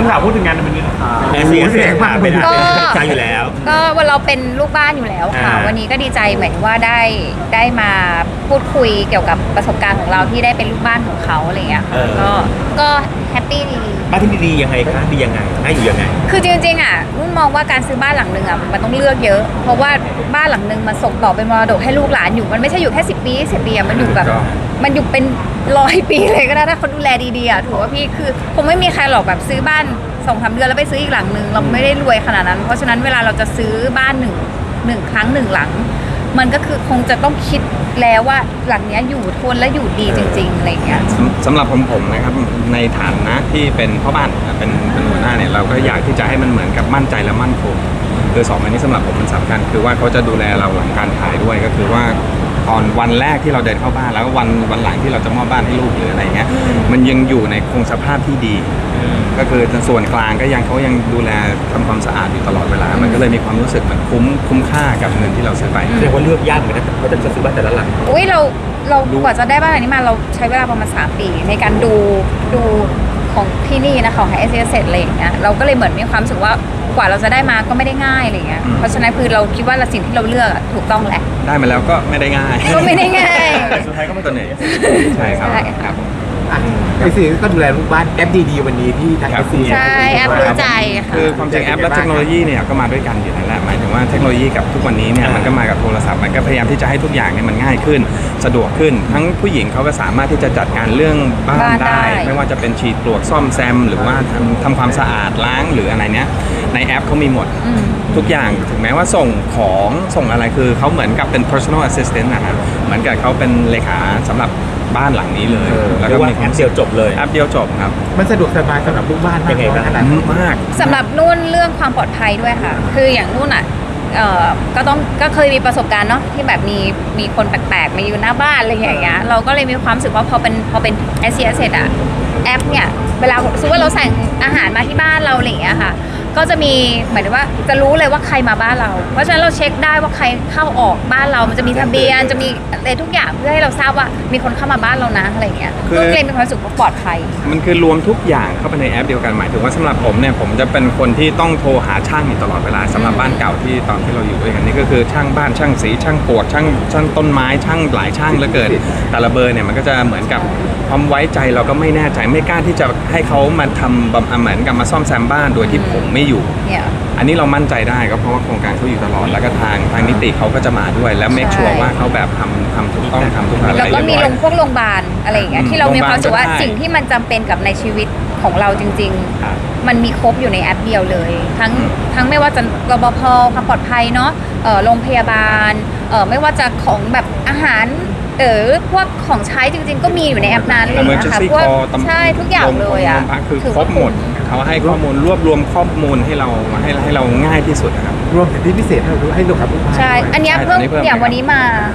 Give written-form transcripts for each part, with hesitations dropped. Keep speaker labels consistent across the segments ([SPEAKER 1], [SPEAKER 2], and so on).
[SPEAKER 1] ถามพูดถึงงานวันนี้นะคะ
[SPEAKER 2] เสียงมากเป็นใจอยู่แล้ว
[SPEAKER 3] ก็วันเราเป็นลูกบ้านอยู่แล้วค่ะวันนี้ก็ดีใจเหมือนว่าได้มาพูดคุยเกี่ยวกับประสบการณ์ของเราที่ได้เป็นลูกบ้านของเขาอะไรเงี้ยก็แฮปปี้ดี
[SPEAKER 2] บ้านที่ดียังไงคะดียังไงน่าอยู่ยังไง
[SPEAKER 3] คือจริงๆอ่ะนุ่นมองว่าการซื้อบ้านหลังนึงอ่ะมันต้องเลือกเยอะเพราะว่าบ้านหลังนึงมันส่งต่อเป็นมรดกให้ลูกหลานอยู่มันไม่ใช่อยู่แค่10 ปี20 ปีมันอยู่แบบมันอยู่เป็น100 ปีเลยก็ได้ถ้าเขาดูแลดีๆอ่ะถือว่าพี่คือคงไม่มีใครหรอกแบบซื้อบ้าน2-3 เดือนแล้วไปซื้ออีกหลังนึงเราไม่ได้รวยขนาดนั้นเพราะฉะนั้นเวลาเราจะซื้อบ้านหนึ่งครั้ง1 หลังมันก็คือคงจะต้องคิดแล้วว่าหลังนี้อยู่ทนและอยู่ดีจริงๆอะไรเงี้ย
[SPEAKER 4] สำหรับผมนะครับในฐานะที่เป็นพ่อบ้านเป็นหัวหน้าเนี่ยเราก็อยากที่จะให้มันเหมือนกับมั่นใจและมั่นคงคือ2 อันนี้สำหรับผมมันสำคัญคือว่าเขาจะดูแลเราหลังการขายด้วยก็คือว่าตอนวันแรกที่เราเดินเข้าบ้านแล้ววันหลังที่เราจะมอบบ้านให้ลูกหรืออะไรเงี้ยมันยังอยู่ในคงสภาพที่ดีก็คือส่วนกลางก็ยังเขายังดูแลทำความสะอาดอยู่ตลอดเวลามันก็เลยมีความรู้สึกเหมือนคุ้มค่ากับเงินที่เราซื้อไป
[SPEAKER 2] เรียกว่าเลือกยากเหมือนกันว่าจะซื้อบ้านแต่ละหลัง
[SPEAKER 3] อุ้ยเรากว่าจะได้บ้านหลังนี้มาเราใช้เวลาประมาณ3 ปีในการดูของที่นี่นะของเอสเสร็จอะไรอย่างเงี้ยเราก็เลยเหมือนมีความรู้สึกว่ากว่าเราจะได้มาก็ไม่ได้ง่ายอะไรเงี้ยเพราะฉะนั้นคือเราคิดว่าสิ่งที่เราเลือกถูกต้องแหละ
[SPEAKER 4] ได้มาแล้วก็ไม่ได้ง่าย
[SPEAKER 2] สุดท้ายก็ไม่ตัวเหนื่อย
[SPEAKER 4] ใช่ครับ
[SPEAKER 1] ไอซีก็ดูแลลูกบ้านแอปดีๆวันนี้ที่ทางไอซี
[SPEAKER 3] ใช่แอปรู้ใจค่ะ
[SPEAKER 4] คือความจริงแอปและเทคโนโลยีเนี่ยก็มาด้วยกันอยู่นั่นแหละหมายถึงว่าเทคโนโลยีกับทุกวันนี้เนี่ยมันก็มากับโทรศัพท์มันก็พยายามที่จะให้ทุกอย่างเนี่ยมันง่ายขึ้นสะดวกขึ้นทั้งผู้หญิงเขาก็สามารถที่จะจัดการเรื่องบ้านได้ไม่ว่าจะเป็นฉีดปลวกซ่อมแซมหรือว่าทำความสะอาดล้างหรืออะไรเนี้ยในแอปเขามีหมดทุกอย่างถึงแม้ว่าส่งของส่งอะไรคือเขาเหมือนกับเป็น personal assistant นะครับเหมือนกับเขาเป็นเลขาสำหรับบ้านหลังนี้เลย
[SPEAKER 2] แล้วก็มีแอปเดียวจบเลย
[SPEAKER 4] แอปเดียวจบครับ
[SPEAKER 1] มันสะดวกสบายสำหรับลูกบ้าน
[SPEAKER 2] ยังไงบ้าง
[SPEAKER 4] มาก
[SPEAKER 3] สำหรับนุ่นเรื่องความปลอดภัยด้วยค่ะคืออย่างนุ่นอ่ะก็เคยมีประสบการณ์เนาะที่แบบมีคนแปลกๆมาอยู่หน้าบ้านอะไรอย่างเงี้ยเราก็เลยมีความรู้สึกว่าพอเป็น SCS เสร็จอะแอปเนี่ยเวลาสมมติว่าเราสั่งอาหารมาที่บ้านเราอะไรอย่างเงี้ยค่ะก็จะมีหมายถึงว่าจะรู้เลยว่าใครมาบ้านเราเพราะฉะนั้นเราเช็คได้ว่าใครเข้าออกบ้านเรามันจะมีทะเบียนจะมีอะไรทุกอย่างเพื่อให้เราทราบว่ามีคนเข้ามาบ้านเรานะอะไรอย่างเงี้ยก็เลยมีความรู้สึกว่าปลอดภัย
[SPEAKER 4] มันคือรวมทุกอย่างเข้าไปในแอปเดียวกันหมายถึงว่าสำหรับผมเนี่ยผมจะเป็นคนที่ต้องโทรหาช่างอยู่ตลอดเวลาสำหรับบ้านเก่าที่ตอนที่เราอยู่ด้วยกันนี่ก็คือช่างบ้านช่างสีช่างปวดช่างต้นไม้ช่างหลายช่างเหลือเกินแต่ละเบอร์เนี่ยมันก็จะเหมือนกับความไว้ใจเราก็ไม่แน่ใจไม่กล้าที่จะให้เขามาทำเหมือนกับมาซ่อมแซมบ้านโดยที่ผมไม่อยู่อันนี้เรามั่นใจได้ก็เพราะว่าโครงการเขาอยู่ตลอดแล้วก็ทางนิติเขาก็จะมาด้วยแล้วเมคชัวร์ว่าเขาแบบทำถูกต้องทำทุกอย่าง
[SPEAKER 3] แล้วก็มีโรงพยาบาลอะไรอย่างเงี้ยที่เรามีความรู้สึกว่าสิ่งที่มันจำเป็นกับในชีวิตของเราจริงๆมันมีครบอยู่ในแอปเดียวเลยทั้งไม่ว่าจะรปภความปลอดภัยเนาะโรงพยาบาลไม่ว่าจะของแบบอาหารพวกของใช้จริงๆก็มีอยู่ในแอปนั้นเลยนะคะพวกใช่ทุกอย่างเลยอ่ะ
[SPEAKER 4] คือครบหมดเขาให้ข้อมูลรวบรวมข้อมูลให้เราง่ายที่สุดนะครับ
[SPEAKER 1] รวมถึงที่พิเศษให้เราให้ลูกค้า
[SPEAKER 3] ใช่อันนี้เพิ่มอย่างวันนี้มา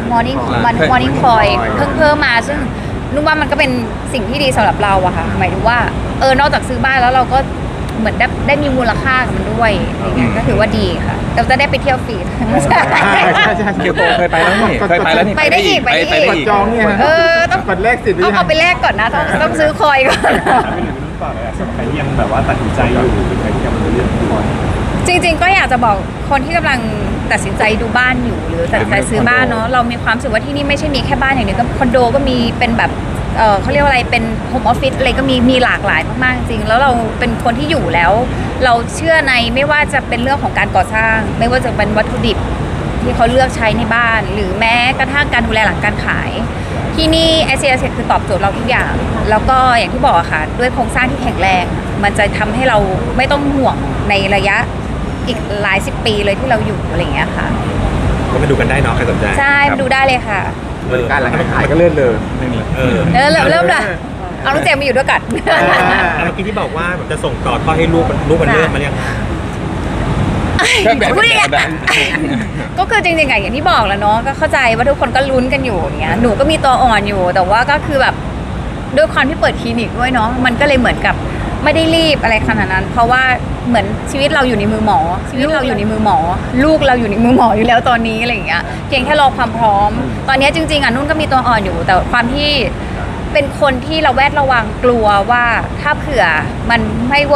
[SPEAKER 3] morning call เพิ่มมาซึ่งนุ่มว่ามันก็เป็นสิ่งที่ดีสำหรับเราอะค่ะหมายถึงว่านอกจากซื้อบ้านแล้วเราก็เหมือนได้มีมูลค่ากับมันด้วยอย่างเงี้ยก็ถือว่าดีค่ะเราจะได้ไปเที่ยวฟรี
[SPEAKER 1] ใช่
[SPEAKER 4] เกียวโตเคยไปแล้วนี่
[SPEAKER 3] ไปได้อีก
[SPEAKER 1] จองเนี่ยต้องกดแลกสิทธิ์
[SPEAKER 3] เอาไปแลกก่อนนะต้องซื้อคอยก่อน
[SPEAKER 1] ใครยังแบบว่าตัดสินใจอยู่ใครยังไม่เลือกคอย
[SPEAKER 3] จริงๆก็อยากจะบอกคนที่กำลังตัดสินใจดูบ้านอยู่หรือตัดสินใจซื้อบ้านเนาะเรามีความรู้สึกว่าที่นี่ไม่ใช่มีแค่บ้านอย่างเดียวก็คอนโดก็มีเป็นแบบเขาเรียกว่าอะไรเป็นโฮมออฟฟิศอะไรก็มีหลากหลายมากๆจริงแล้วเราเป็นคนที่อยู่แล้วเราเชื่อในไม่ว่าจะเป็นเรื่องของการก่อสร้างไม่ว่าจะเป็นวัตถุดิบที่เขาเลือกใช้ในบ้านหรือแม้กระทั่งการดูแลหลังการขายที่นี่ SCS คือตอบโจทย์เราทุกอย่างแล้วก็อย่างที่บอกค่ะด้วยโครงสร้างที่แข็งแรงมันจะทำให้เราไม่ต้องห่วงในระยะอีกหลาย10 ปีเลยที่เราอยู่อะไรอย่างเงี้ยค่ะ
[SPEAKER 2] ก็มาดูกันได้เนาะใครสนใจ
[SPEAKER 3] ใช่มาดูได้เลยค่ะ
[SPEAKER 1] การหลังขายก็เลื่อนเลย
[SPEAKER 3] เริ่มละเอาลูกเจมมาอยู่ด้วยกัน
[SPEAKER 2] เมื่อกี้ที่บอกว่าจะส่งต่อทอดให้ลูกมันเริ่มมาเรียง
[SPEAKER 3] ก็คือจริงๆอย่างที่บอกแล้วเนาะก็เข้าใจว่าทุกคนก็ลุ้นกันอยู่อย่างเงี้ยหนูก็มีตัวอ่อนอยู่แต่ว่าก็คือแบบด้วยความที่เปิดคลินิกด้วยเนาะมันก็เลยเหมือนกับไม่ได้รีบอะไรขนาดนั้นเพราะว่าเหมือนชีวิตเราอยู่ในมือหมอลูกเราอยู่ในมือหมออยู่แล้วตอนนี้อะไรอย่างเงี้ยเพียงแค่รอความพร้อมตอนนี้จริงๆนุ่นก็มีตัวอ่อนอยู่แต่ความที่เป็นคนที่ระแวดระวังกลัวว่าถ้าเผื่อมันไม่เวิร์ก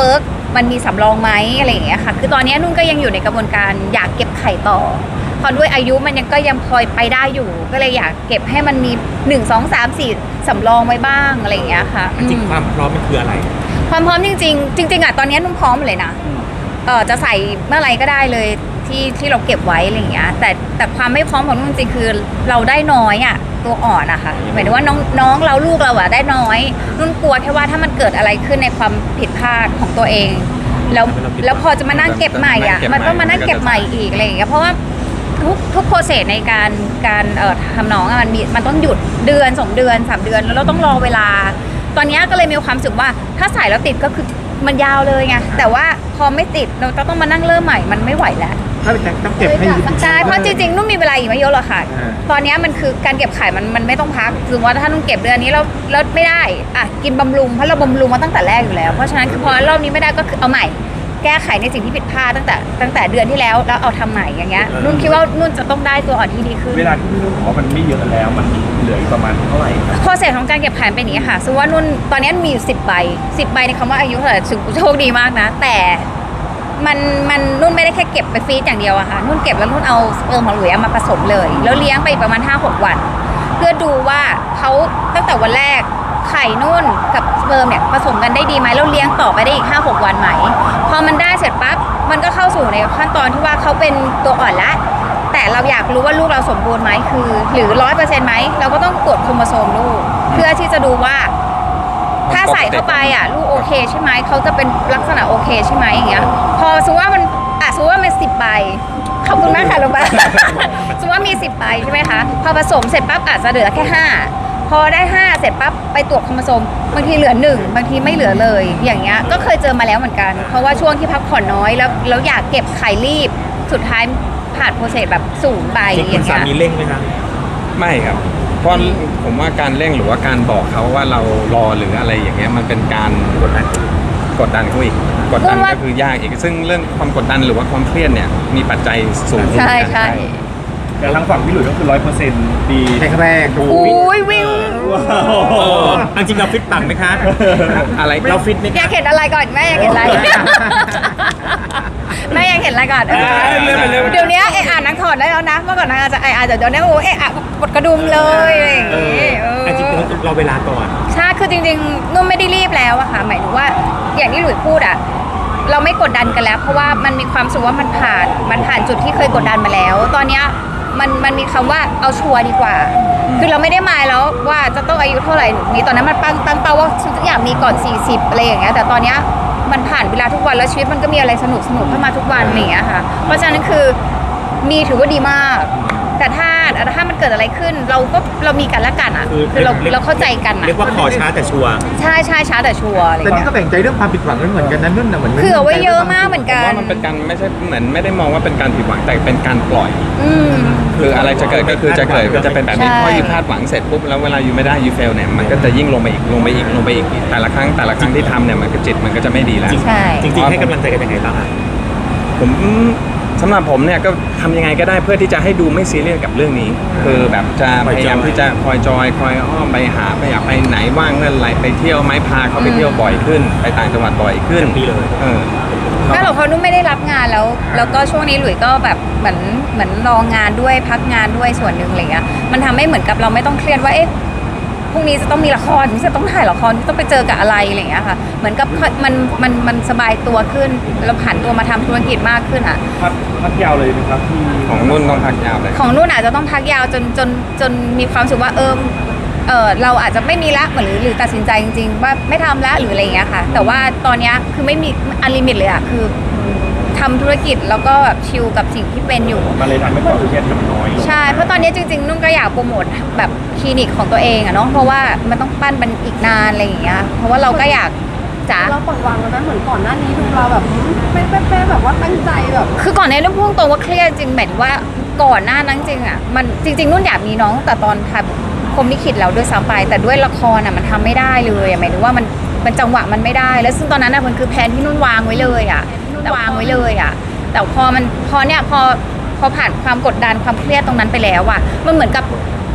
[SPEAKER 3] มันมีสำรองไหมอะไรอย่างเงี้ยค่ะคือตอนนี้นุ่นก็ยังอยู่ในกระบวนการอยากเก็บไข่ต่อพอด้วยอายุมันยังก็ยังพอไปได้อยู่ ก็เลยอยากเก็บให้มันมี1 2 3 4สำรองไว้บ้างอะไรอย่างเงี้ยค่ะ
[SPEAKER 2] จริงๆความพร้อมมันคืออะไร
[SPEAKER 3] ความพร้อมจริงๆจริงๆอ่ะตอนนี้นุ่นพร้อมเลยนะจะใส่เมื่อไรก็ได้เลยที่เราเก็บไว้อะไรอย่างเงี้ยแต่ความไม่พร้อมของนุ่นจริงๆคือเราได้น้อยอ่ะตัวอ่อนอะค่ะหมายถึงว่าน้องเราลูกเราอะได้น้อยนุ่นกลัวแค่ว่าถ้ามันเกิดอะไรขึ้นในความผิดพลาดของตัวเองแล้วพอจะมานั่งเก็บใหม่อ่ะมันก็มานั่งเก็บใหม่อีกอะไรอย่างเงี้ยเพราะว่าทุกโปรเซสในการทำน้องอะมันต้องหยุดเดือน2 เดือน3 เดือนแล้วเราต้องรอเวลาตอนนี้ก็เลยมีความรู้สึกว่าถ้าใส่แล้วติดก็คือมันยาวเลยไงแต่ว่าพอไม่ติดเราต้องมานั่งเริ่มใหม่มันไม่ไหวแล้ว
[SPEAKER 1] ถ้าต้องเก็บให้
[SPEAKER 3] ใช่เพราะจริงๆนุ่นมีเวลาอีกไม่เยอะหรอกค่ะตอนนี้มันคือการเก็บไข่มันไม่ต้องพักคือว่าถ้านุ่นเก็บเดือนนี้แล้วไม่ได้อ่ะกินบำรุงเพราะเราบำรุงมาตั้งแต่แรกอยู่แล้วเพราะฉะนั้นคือพอรอบนี้ไม่ได้ก็คือเอาใหม่แก้ไขในสิ่งที่ผิดพลาดตั้งแต่เดือนที่แล้วเอาทำใหม่อย่างเงี้ยนุ่นคิดว่านุ่นจะต้องได้ตัวอ่อนที่ดีขึ้น
[SPEAKER 1] เวลาที่พี่นุ่นบอกว่ามันไม่เยอะแล้วมันเหลืออีกประมาณเท่าไหร่ครับ
[SPEAKER 3] โปรเซสของการเก็บไข่เป็นอย่างนี้ค่ะซึ่งว่านุ่นตอนนี้มีอยู่10 ใบ10 ใบในคำว่าอายุเท่าไหร่โชคดีมากนะแต่มันนุ่นไม่ได้แค่เก็บไปฟรีซอย่างเดียวอะค่ะนุ่นเก็บแล้วนุ่นเอาสเปิร์มของหลุยมาผสมเลยแล้วเลี้ยงไปประมาณ 5-6 วัน เพื่อดูว่าเขาตั้งแต่วันแรกไข่นุ่นกับสเปิร์มเนี่ยผสมกันได้ดีไหมแล้วเลี้ยงต่อไปได้อีก 5-6 วันไหมพอมันได้เสร็จปั๊บมันก็เข้าสู่ในขั้นตอนที่ว่าเขาเป็นตัวอ่อนละแต่เราอยากรู้ว่าลูกเราสมบูรณ์ไหมคือหรือ100%ไหมเราก็ต้องตรวจโครโมโซมลูกเพื่อที่จะดูว่าถ้าใส่เข้าไปอ่ะลูกโอเคใช่ไหมเขาจะเป็นลักษณะโอเคใช่ไหมอย่างเงี้ยพอสมมติว่ามันสมมติว่ามัน10 ใบขอบคุณมากค่ะลุงป้า สมมติว่ามี10 ใบใช่ไหมคะพอผสมเสร็จปั๊บอาจจะเหลือแค่5พอได้5เสร็จปั๊บไปตรวจโครโมโซมบางทีเหลือ1บางทีไม่เหลือเลยอย่างเงี้ยก็เคยเจอมาแล้วเหมือนกันเพราะว่าช่วงที่พักผ่อนน้อยแล้วอยากเก็บไข่รีบสุดท้ายผ่านโปรเซสแบบสูงไป
[SPEAKER 2] จริง
[SPEAKER 3] อ
[SPEAKER 2] คุ
[SPEAKER 3] ย่า
[SPEAKER 2] ณ
[SPEAKER 3] ง
[SPEAKER 2] สา
[SPEAKER 3] เงี้ย
[SPEAKER 2] มีเร่งไหมคะ
[SPEAKER 4] ไม่ครับเพราะผมว่าการเร่งหรือว่าการบอกเขาว่าเรารอหรืออะไรอย่างเงี้ยมันเป็นการกดดันเขาอีกกดดันก็คือยากอีกซึ่งเรื่องความกดดันหรือว่าความเครียดเนี่ยมีปัจจัยสูง
[SPEAKER 3] ใช่ใช่
[SPEAKER 1] แต่ทางฝั่งพี่หลุยส์ก็คือ100%ดีแรกๆดู
[SPEAKER 3] อุ้ยวิว
[SPEAKER 2] จริงเราฟิตปังไหมคะ
[SPEAKER 4] อะไร
[SPEAKER 2] เราฟิตไหม
[SPEAKER 3] อยากเห็นอะไรก่อนแม่อยากเห็นอะไรแม่อยากเห็นอะไรก่อนเดี๋ยวนี้อ่านนังถอดได้แล้วนะเมื่อก่อนนางอาจจะเดี๋ยวนี้โอ้ปวดกระดุมเลยอะไรอย่างงี้
[SPEAKER 2] จริงๆเราเวลาก่อน
[SPEAKER 3] ใช่คือจริงๆนุ่มไม่ได้รีบแล้วอะค่ะหมายถึงว่าอย่างที่หลุยพูดอะเราไม่กดดันกันแล้ว เพราะว่ามันมีความสุขว่ามันผ่านจุดที่เคยกดดันมาแล้ว ตอนเนี้ยมันมีคำว่าเอาชัวร์ดีกว่า คือเราไม่ได้หมายแล้วว่าจะต้องอายุเท่าไหร่นี่ตอนนั้นมันตั้งเป้าว่าฉันอยากมีก่อน40อะไรอย่างเงี้ยแต่ตอนเนี้ยมันผ่านเวลาทุกวันแล้วชีวิตมันก็มีอะไรสนุกเข้ามาทุกวันอย่างเงี้ยค่ะเพราะฉะนั้นคือมีถือว่าดีมาก แต่ถ้ามันเกิดอะไรขึ้นเรามีกันและกันอ่ะคือเราเข้าใจกันอ่ะ
[SPEAKER 2] เรียกว่าขอช้าแต่ชัวร์
[SPEAKER 3] ใช่ช้าแต่ชัวร์อะไร
[SPEAKER 1] แต่
[SPEAKER 3] เงี้
[SPEAKER 1] นี่
[SPEAKER 3] ย
[SPEAKER 1] ก็แบ่งใจเรื่องความผิดหวังเหมือนกันนะนุ่นนะเหมือน
[SPEAKER 3] เผื่อไว้เยอะมากเหมือน
[SPEAKER 4] ผม
[SPEAKER 3] กัน
[SPEAKER 4] ว่ามันเป็นการไม่ใช่เหมือนไม่ได้มองว่าเป็นการผิดหวังแต่เป็นการปล่อย
[SPEAKER 3] อืม
[SPEAKER 4] คืออะไรจะเกิดก็คือจะเกิดจะเป็นแบบนี้
[SPEAKER 3] ใช่
[SPEAKER 4] พอยูคาดหวังเสร็จปุ๊บแล้วเวลายูไม่ได้ยูเฟลเนี่ยมันก็จะยิ่งลงไปอีกแต่ละครั้งที่ทำเนี่ยมันก็จิตมันก็จะไม่ดีแล้ว
[SPEAKER 3] ใช่
[SPEAKER 2] จริงๆให้กำลังใจกันยังไงบ้างอะ
[SPEAKER 4] ผมสำหรับผมเนี่ยก็ทำยังไงก็ได้เพื่อที่จะให้ดูไม่ซีเรียสกับเรื่องนี้ คือแบบจะพยายามที่จะคอยจอยคอยอ้อมไปหาไปอยากไปไหนว่างเมื่อไหรไปเที่ยวไหมพาเขาไปเที่ยวบ่อยขึ้น ไปต่างจังหวัดบ่อยขึ้น
[SPEAKER 2] ปีเลย
[SPEAKER 3] ก็หรอกเพราะนุ่มไม่ได้รับงานแล้วก็ช่วงนี้หลุยก็แบบเหมือนรองงานด้วยพักงานด้วยส่วนหนึ่งอะไรเงี้ยมันทำให้เหมือนกับเราไม่ต้องเครียดว่าเอ๊ะพรุ่งนี้จะต้องมีละครจะต้องถ่ายละครต้องไปเจอกับอะไรอะไรเงี้ยค่ะเหมือนกับมันสบายตัวขึ้นเราผันตัวมาทำธุรกิจมากขึ้นอ่ะ
[SPEAKER 1] พักยาวเลยนะครับที่
[SPEAKER 4] ของนุ่นต้องพักยาวเลย
[SPEAKER 3] ของนุ่นอาจจะต้องพักยาวจนมีความรู้สึกว่าเราอาจจะไม่มีละหรือตัดสินใจจริงๆว่าไม่ทำละหรืออะไรอย่างเงี้ยค่ะแต่ว่าตอนเนี้ยคือไม่มีอันลิมิตเลยอะคือทำธุรกิจแล้วก็แบบชิลกับสิ่งที่เป็นอยู่
[SPEAKER 1] มันเลยทำให้ความเครียดมันน้อยลง
[SPEAKER 3] ใช่เพราะตอนนี้จริงๆนุ่นก็อยากโปรโมทแบบคลินิกของตัวเองอะเนาะเพราะว่ามันต้องปั้นมันอีกนานอะไรอย่างเงี้ยเพราะว่าเราก็อยากจ๋า
[SPEAKER 5] เราปล่อยวางแล้วนะเหมือนก่อนหน้านี้ดูเราแบบไม่แบบว่าตั้งใจแบบ
[SPEAKER 3] คือก่อนในเรื่องพุ่งตรงว่าเครียดจริงหมายถึงว่าก่อนหน้านั้นจริงอ่ะมันจริงๆนุ่นอยากมีน้องแต่ตอนถ่ายพรหมลิขิตแล้วด้วยซ้ำไปแต่ด้วยละครอ่ะมันทำไม่ได้เลยหมายถึงว่ามันจังหวะมันไม่ได้แล้วซึ่งตอนนั้นน่ะมันคือแผนที่นุ่นวางไว้เลยอ่ะแต่วางไว้เลยอ่ะแต่พอผ่านความกดดันความเครียดตรงนั้นไปแล้วอ่ะมันเหมือนกับ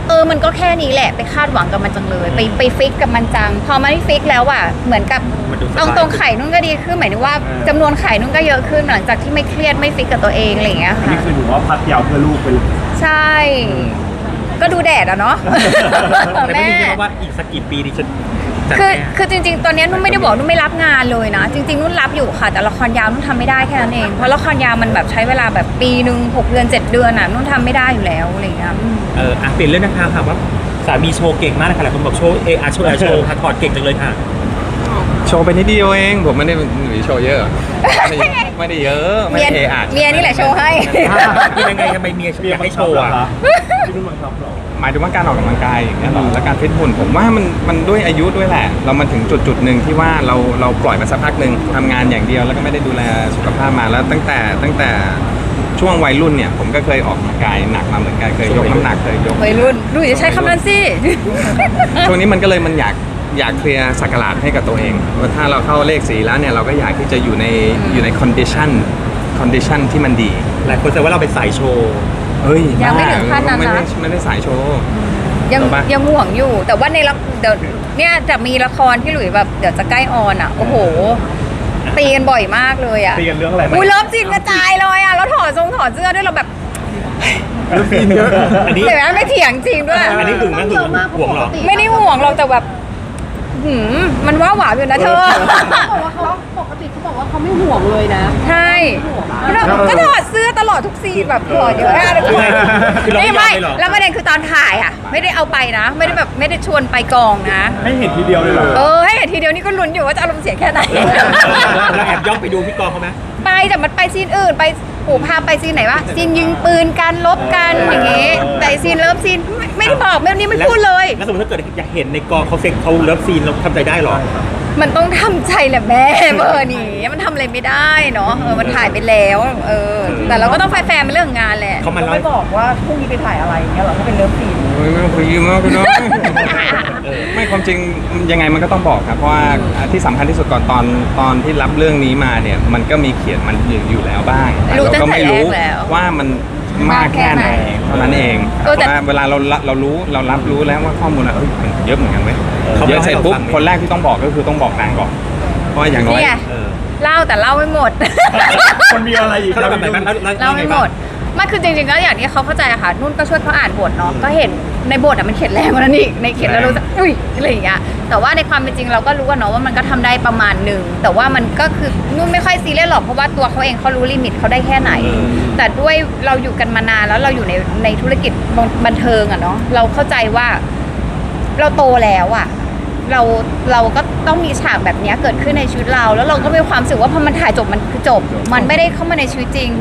[SPEAKER 3] มันก็แค่นี้แหละไปคาดหวังกับมันจังเลยไปฟิกกับมันจังพอมันไม่ฟิกแล้วอ่ะเหมือนกับ
[SPEAKER 2] มันดูสบาย
[SPEAKER 3] เอาตรงไข่นุ่นก็ดีขึ้นหมายถึงว่าจำนวนไข่นุ่นก็เยอะขึ้นหลังจากที่ไม่เครียดไม่ฟิกกับตัวเองอะไรอย่างเงี้ย
[SPEAKER 1] อัน
[SPEAKER 3] ค่ะ
[SPEAKER 1] นี้คือหนูว่าพักยาวเพื่อลูกไปเลย
[SPEAKER 3] ใช่ ก็ดูแดดอะเนาะ
[SPEAKER 2] แต่ไม่มีว่าอีกสักกี่ปีดิฉันจัด
[SPEAKER 3] คือ
[SPEAKER 2] แน่
[SPEAKER 3] คือจริงๆ ตอนนี้นุ่นไม่ได้บอกนุ่นไม่รับงานเลยนะ จริงๆ นุ่นรับอยู่ค่ะ แต่ละครยาวนุ่นทำไม่ได้แค่นั้นเอง เพราะละครยาวมันแบบใช้เวลาแบบปีหนึ่ง6 เดือน 7 เดือนอ่ะนุ่นทำไม่ได้อยู่แล้วอะไรอย่างเงี้ย
[SPEAKER 2] เปลี่ยนเรื่องนะคะค่ะว่าสามีโชว์เก่งมากเลยค่ะหลายคนบอกโชว์โชว์ค่ะถอดเก่งจังเลยค่ะ
[SPEAKER 4] โชว์ไปนิดเดียวเองผมไม่ได้โชว์เยอะไม่ได้เยอะไม่
[SPEAKER 3] เมีย
[SPEAKER 4] เออาด
[SPEAKER 3] เมียนี่แหละโชว์ให้
[SPEAKER 2] ยังไงทำไมเมียอยากให้โชว์อ่ะ
[SPEAKER 1] พี่นุ่นบังคับเหรอ
[SPEAKER 4] หมายถึงว่าการออกกำลังกายอย่างเงี้ยหรอและการฟิตหุ่นผมว่ามันด้วยอายุด้วยแหละ เรามาถึงจุดหนึ่งที่ว่าเราปล่อยมาสักพักหนึ่งทำงานอย่างเดียวแล้วก็ไม่ได้ดูแลสุขภาพมาแล้วตั้งแต่ช่วงวัยรุ่นเนี่ยผมก็เคยออกกำลังกายหนักมาเหมือนกันเคยยกน้ำหนักเคยยก
[SPEAKER 3] วัยรุ่นดูอย่าใช้คำนั้นสิ
[SPEAKER 4] ช่วงนี้มันก็เลยมันอยากเคลียร์สักราชให้กับตัวเองว่าถ้าเราเข้าเลขสีแล้วเนี่ยเราก็อยากที่จะอยู่ในคอนดิชันที่มันดี
[SPEAKER 2] หลายคนแซวว่าเราเป็นสายโชว์
[SPEAKER 4] เฮ้ย
[SPEAKER 3] ยังไม่ถึงขั้นนั้นนะ
[SPEAKER 4] ไม่ได้สายโชว์
[SPEAKER 3] ยัง
[SPEAKER 4] ถูกปะ
[SPEAKER 3] ยังห่วงอยู่ แต่ว่าในละเดี๋ยวเนี่ยจะมีละครที่หลุยแบบเดี๋ยวจะใกล้ออนอ่ะ โอ้โห ตีกันบ่อยมากเลยอ่ะ
[SPEAKER 1] ตีกันเรื่องอะไร
[SPEAKER 3] อุ้ยเริ่มจีนกระจายเลยอ่ะแล้วถอดเสื้อด้วยเราแบบ
[SPEAKER 1] เรื่องซีนเยอะ
[SPEAKER 2] อันนี้
[SPEAKER 3] เดี๋ยวนะไม่เถียงจริงด้วย
[SPEAKER 2] อันนี้ถึงนั่นถึงห่วงเหรอ
[SPEAKER 3] ไม่ได้ห่วงเราแต่แบบมันว่าหวานอยู่นะเธอ
[SPEAKER 5] เขาบอกว่าเขาปกติเขาบอกว่าเขาไม่ห่วงเลยนะ
[SPEAKER 3] ใช่ก็ถอดเสื้อตลอดทุกซีนแบบถอดเยอะมากเลย
[SPEAKER 2] คือเราไม่ยอม
[SPEAKER 3] ไม่
[SPEAKER 2] เลยเหรอ
[SPEAKER 3] แล้วประเด็นคือตอนถ่ายอ่ะ ไม่ได้เอาไปนะ ไม่ได้แบบไม่ได้ชวนไปกองนะ
[SPEAKER 1] ให้เห็นทีเดียวเลยเหรอ
[SPEAKER 3] ให้เห็นทีเดียวนี่ก็ลุ้นอยู่ว่าจะอารมณ์เสียแค่ไหน
[SPEAKER 2] เราแอบย่องไปดูพี่กองเขาไหม
[SPEAKER 3] ไปแต่มันไปซีนอื่นไปพาไปซีนไหนวะซีนยิงปืนกันลบกันอย่างงี้แต่ซีนเลิฟซีนไม่ได้บอกนี่ไม่พูดเลย
[SPEAKER 2] แล้วสมมติถ้าเกิดอยากเห็นในกองเขาเซ็กเขาเลิฟซีนเราทำใจได้เหรอ
[SPEAKER 3] มันต้องทำใจแหละแม่เบอร์นี้มันทำอะไรไม่ได้เนาะมันถ่ายไปแล้วแต่เราก็ต้องแฟร์ๆเป็นเรื่องของงานแหละ
[SPEAKER 2] เขามาเล่า
[SPEAKER 5] ไม่บอกว่าพรุ่งนี้ไปถ่ายอะไรอย่างเงี้ยเหรอถ้าเป็นเลิฟซีน
[SPEAKER 4] ไม่ต้องคุยมากเนาะ ไม่ความจริงยังไงมันก็ต้องบอกครับเพราะว่าที่สำคัญที่สุดก่อนตอนที่รับเรื่องนี้มาเนี่ยมันก็มีเขียนมันอยู่แล้วบ้างแต่เราก็ไม่รู้ว่ามันมากแค่ไหนเท่านั้นเองว่าเวลาเรารู้เรารับรู้แล้วว่าข้อมูลมันเยอะเหมือนกันเว้ยเยอะเสร็จปุ๊บคนแรกที่ต้องบอกก็คือต้องบอกนางก่อนเพราะอย่างน้อย
[SPEAKER 3] เนี่ยเล่าแต่เล่าไม่หมด
[SPEAKER 1] มันมีอะไรอีก
[SPEAKER 2] เขาเล่าแบบไหนบ้าง
[SPEAKER 3] เล่าไม่หมดมันคือจริงๆก็อย่างที่เขาเข้าใจอะค่ะนุ่นก็ช่วยเขาอ่านบทเนาะก็เห็นในบทอะมันเขียนแรงกว่านั้นอีกในเขียนแล้วรู้สึกอุ้ยอะไรอย่างเงี้ยแต่ว่าในความเป็นจริงเราก็รู้กันเนาะว่ามันก็ทำได้ประมาณหนึ่งแต่ว่ามันก็คือนุ่นไม่ค่อยซีเรียสหรอกเพราะว่าตัวเขาเองเขารู้ลิมิตเขาได้แค่ไหน แต่ด้วยเราอยู่กันมานานแล้วเราอยู่ในธุรกิจบันเทิงอะเนาะเราเข้าใจว่าเราโตแล้วอะเราก็ต้องมีฉากแบบนี้เกิดขึ้นในชีวิตเราแล้วเราก็มีความรู้สึกว่าพอมันถ่ายจบมันคือจบ มันไม่ได้เข้ามาในชีวิตจริง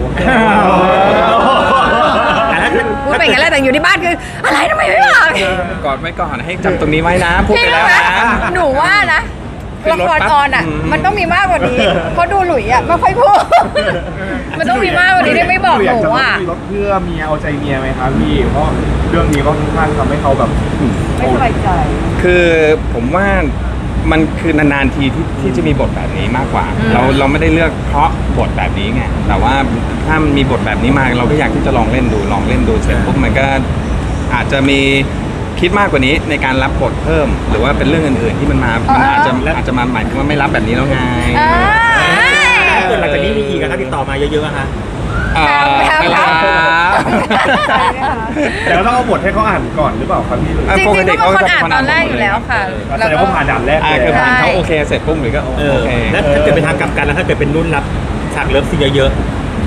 [SPEAKER 3] พูดไปอย่างนั้นแหละแต่อยู่ที่บ้านคืออะไรทำไมไม่บอก
[SPEAKER 4] กอดไว้ก่อนให้จำตรงนี้ไว้นะพูด
[SPEAKER 3] พี่
[SPEAKER 4] ไป
[SPEAKER 3] รู้
[SPEAKER 4] แล้ว
[SPEAKER 3] ไหม
[SPEAKER 4] นะ
[SPEAKER 3] หนูว่านะ
[SPEAKER 4] ขึ้
[SPEAKER 3] ละ
[SPEAKER 4] นรถ
[SPEAKER 3] คร
[SPEAKER 4] ปั๊บ
[SPEAKER 3] ออนอ่ะ
[SPEAKER 4] อืม
[SPEAKER 3] มันต้องมีมากกว่านี้เพราะดูหลุยอ่ะไม่ค่อยพูด มันต้องมีมากกว่านี้ที่ไม่บอกหนูอ่ะ
[SPEAKER 1] มีรถเพื่อเมียเอาใจเมียไหมครับพี่เพราะเรื่องนี้ก็ค่อนข้างทำให้เขาแบบ
[SPEAKER 5] ไม่สบายใจ
[SPEAKER 4] คือผมว่ามันคือนานๆทีที่จะมีบทแบบนี้มากกว่า เราไม่ได้เลือกเพราะบทแบบนี้ไงแต่ว่าถ้ามีบทแบบนี้มาเราก็อยากที่จะลองเล่นดูเสร็จปุ๊บมันก็อาจจะมีคิดมากกว่านี้ในการรับบทเพิ่ม หรือว่าเป็นเรื่องอื่นๆที่มันอาจจะมาหมายถึงว่าไม่รับแบบนี้แล้วไง
[SPEAKER 2] ถ้าเกิดหลังจากนี้มีอีกอะถ้าติดต่อมาเยอะๆอะฮะ
[SPEAKER 3] ครับ
[SPEAKER 1] แต่ก็ต้องเอาบทให้เขาอ่านก่อนหรือเปล่าครับพี่
[SPEAKER 3] จริงๆก็เป็นคนอ่านตอนแรกอยู่แล้วค่ะ
[SPEAKER 1] แสดงว่าผ่านด่านแรกเลย
[SPEAKER 4] คือผ่านเขาโอเคเสร็จปุ๊บหรือก็โอเค
[SPEAKER 2] แล้วถ้าเกิดเป็นทางกลับกันแล้วถ้าเกิดเป็นนุ่นรับฉากเลิฟซีนเยอะ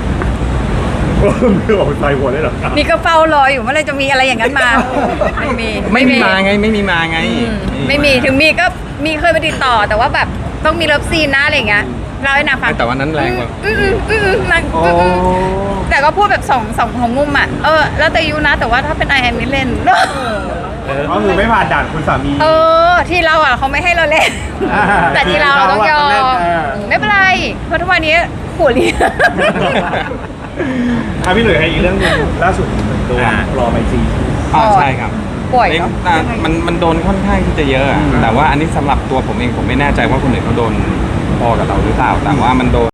[SPEAKER 1] คือออกใจหัวได้หรอครับ
[SPEAKER 3] นี่ก็เฝ้ารออยู่เมื่อไรจะมีอะไรอย่างนั้นมา
[SPEAKER 4] ไม่มีมาไงไม่มีมาไง
[SPEAKER 3] ไม่มีถึงมีก็มีเคยไปติดต่อ แต่ว่าแบบต้องมีเลิฟซีนนะอะไรอย่างเงี้ยเราให้นางฟัง
[SPEAKER 4] แต่ว่านั้นแรงกว่า
[SPEAKER 3] นางแต่ก็พูดแบบสองของมุมอ่ะแล้วแต่ยูนะ แต่ว่าถ้าเป็นไอแอนนี่เล่น
[SPEAKER 1] ก็คือไม่ผ่านด่านคุณสามี
[SPEAKER 3] ที่เราอ่ะเขาไม่ให้เราเล่น แต่ที่เราต้องยอมไม่เป็นไรเพราะทุกวันนี้หัวเรียน
[SPEAKER 1] พี่หลุยให้อีกเรื่องหนึงล่าสุดตัวรอไมจี
[SPEAKER 4] ใช่ครับ
[SPEAKER 3] ป่วยเนอะ
[SPEAKER 4] มันโดนค่อนข้างที่จะเยอะอะแต่ว่าอันนี้สำหรับตัวผมเองผมไม่แน่ใจว่าคนอื่นเขาโดนพอกับเราหรือเปล่าแต่ว่ามันโดน